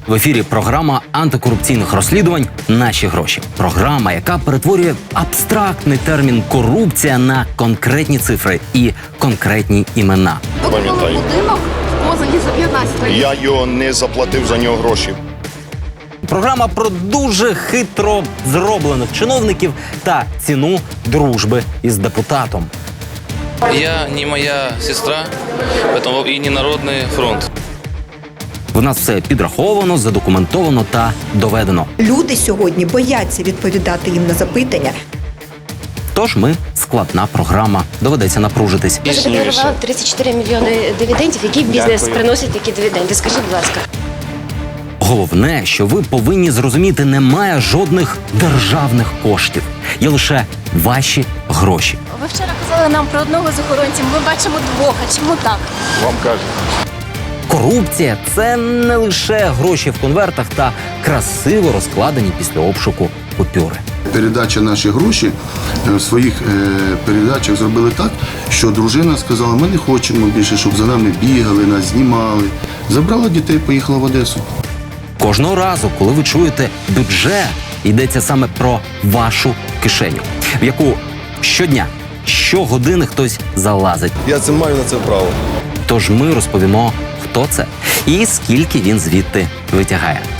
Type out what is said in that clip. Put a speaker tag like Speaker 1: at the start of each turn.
Speaker 1: В ефірі програма антикорупційних розслідувань «Наші гроші». Програма, яка перетворює абстрактний термін «корупція» на конкретні цифри і конкретні імена.
Speaker 2: Пам'ятаю.
Speaker 3: Будинок в Позані за 15 років.
Speaker 2: Я його не заплатив за нього гроші.
Speaker 1: Програма про дуже хитро зроблених чиновників та ціну дружби із депутатом.
Speaker 4: Я не моя сестра, поэтому и не Народный фронт.
Speaker 1: В нас все підраховано, задокументовано та доведено.
Speaker 5: Люди сьогодні бояться відповідати їм на запитання.
Speaker 1: Тож ми складна програма. Доведеться напружитись.
Speaker 6: Ви задекларували 34 мільйони дивідендів. Який бізнес приносить такі дивіденди? Скажіть, будь ласка.
Speaker 1: Головне, що ви повинні зрозуміти, немає жодних державних коштів. Є лише ваші гроші.
Speaker 3: Ви вчора казали нам про одного з охоронців. Ми бачимо двох. А чому так?
Speaker 2: Вам кажуть.
Speaker 1: Корупція – це не лише гроші в конвертах та красиво розкладені після обшуку купюри.
Speaker 7: Передача «Наші гроші» в своїх передачах зробили так, що дружина сказала, ми не хочемо більше, щоб за нами бігали, нас знімали. Забрала дітей, поїхала в Одесу.
Speaker 1: Кожного разу, коли ви чуєте бюджет, йдеться саме про вашу кишеню, в яку щодня, щогодини хтось залазить.
Speaker 8: Я це маю на це право.
Speaker 1: Тож ми розповімо, хто це і скільки він звідти витягає.